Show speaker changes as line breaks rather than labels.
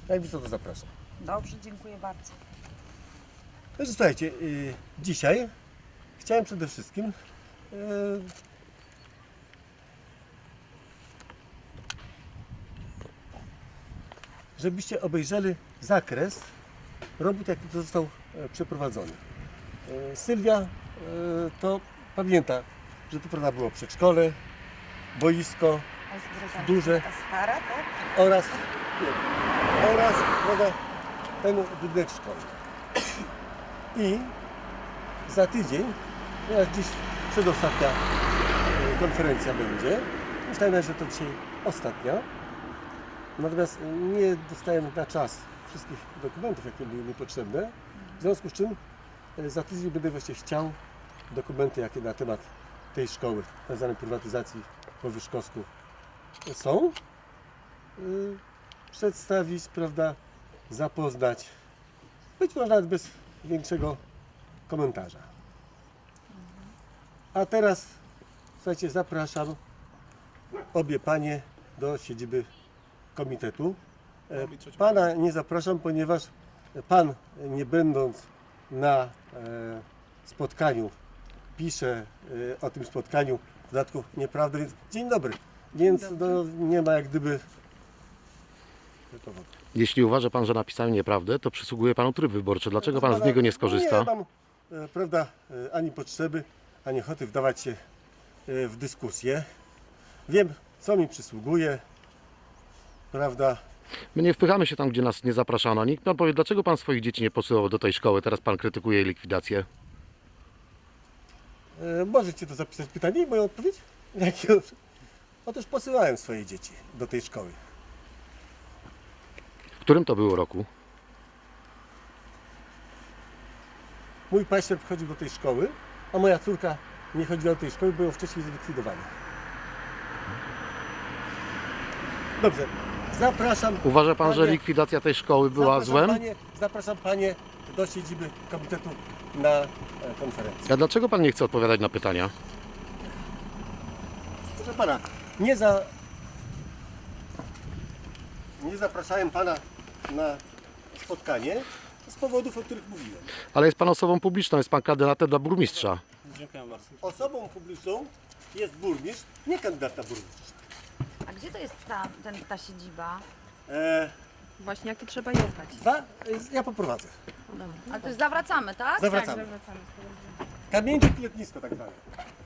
Najbliżej to zapraszam.
Dobrze, dziękuję bardzo.
Także słuchajcie, dzisiaj chciałem przede wszystkim żebyście obejrzeli zakres robót, jaki to został przeprowadzony. Sylwia to pamięta, że to prawda było przedszkole, boisko duże
Stara, tak?
oraz prawda, ten budynek szkolny. I za tydzień, ponieważ dziś przedostatnia konferencja będzie, myślałem, że to dzisiaj ostatnia, natomiast nie dostałem na czas wszystkich dokumentów, jakie były mi potrzebne, w związku z czym za tydzień będę właśnie chciał dokumenty, jakie na temat tej szkoły, tzw. prywatyzacji po Wyszkowsku są, przedstawić, prawda, zapoznać, być może nawet bez większego komentarza. A teraz, słuchajcie, zapraszam obie panie do siedziby komitetu. Pana nie zapraszam, ponieważ pan, nie będąc na spotkaniu, pisze o tym spotkaniu, w dodatku nieprawdę, więc dzień dobry. Więc no, nie ma jak gdyby powodu.
Jeśli uważa pan, że napisałem nieprawdę, to przysługuje panu tryb wyborczy. Dlaczego pan z niego nie skorzysta?
Nie mam, prawda, ani potrzeby, ani ochoty wdawać się w dyskusję. Wiem, co mi przysługuje, prawda.
My nie wpychamy się tam, gdzie nas nie zapraszano. Nikt pan powie, dlaczego pan swoich dzieci nie posyłał do tej szkoły? Teraz pan krytykuje jej likwidację.
Możecie to zapisać pytanie i moją odpowiedź? Otóż posyłałem swoje dzieci do tej szkoły.
W którym to było roku?
Mój paździerz chodził do tej szkoły, a moja córka nie chodziła do tej szkoły, bo ją wcześniej zlikwidowano. Dobrze, zapraszam.
Uważa pan, że
panie-
likwidacja tej szkoły była
zapraszam
złem?
Zapraszam panie do siedziby komitetu na konferencję.
A dlaczego pan nie chce odpowiadać na pytania?
Proszę pana, nie zapraszałem pana na spotkanie z powodów, o których mówiłem.
Ale jest pan osobą publiczną, jest pan kandydatem dla burmistrza.
Dziękuję bardzo.
Osobą publiczną jest burmistrz, nie kandydat na burmistrza.
A gdzie to jest ta siedziba?
Właśnie, jakie trzeba jechać.
Ja poprowadzę.
Ale to już zawracamy, tak?
Zawracamy. Kamieńczyk letnisko tak zwane.